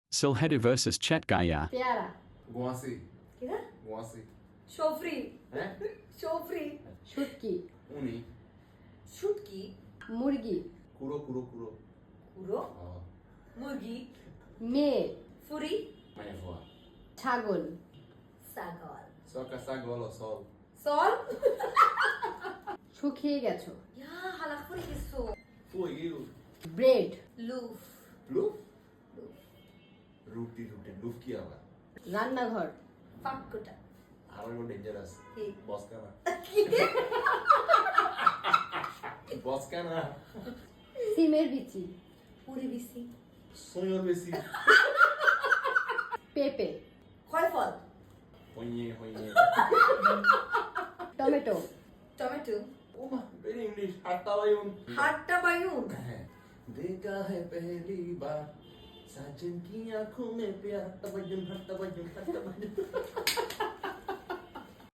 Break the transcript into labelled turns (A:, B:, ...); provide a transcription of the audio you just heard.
A: Silhedi versus Chetgaya.
B: পেয়ারা
C: গোয়াসি
B: কিরা
C: গোয়াসি
D: সফরি
C: হ্যাঁ
D: সফরি
B: শুটকি
C: উনি
D: শুটকি
B: মুরগি
C: কুরো কুরো কুরো
D: কুড়ো মুরগি
B: মেয়ে
D: ফুরি
C: মায়া ফোয়া
B: ছাগল
D: ছাগল
C: সকা সাগল সল
D: সল
B: শুকিয়ে গেছো
D: ইয়া হালাক ফুরি কিছু
C: ফুই গিউ
B: ব্রেড
D: লুফ
C: লুফ রুটি রুটি লুফ কি আবার
B: রান্নাঘর
D: ফাক্কুটা
C: আমার গো ডেঞ্জারাস
D: কি?
C: বসকানা বসকানা
B: সিমের বিচি
D: পুরি বিসি
C: সোয়র বেশি
B: পেঁপে
D: খয় ফল
C: হইয়ে হইয়ে
B: টমেটো
D: টমেটো
C: ও মা ভেরি ইংলিশ হাট্টা বায়ুন
D: হাট্টা বায়ুন
C: देखा है पहली बार साजन की आंखों में प्यार हट्टा बजन हट्टा बजन हट्टा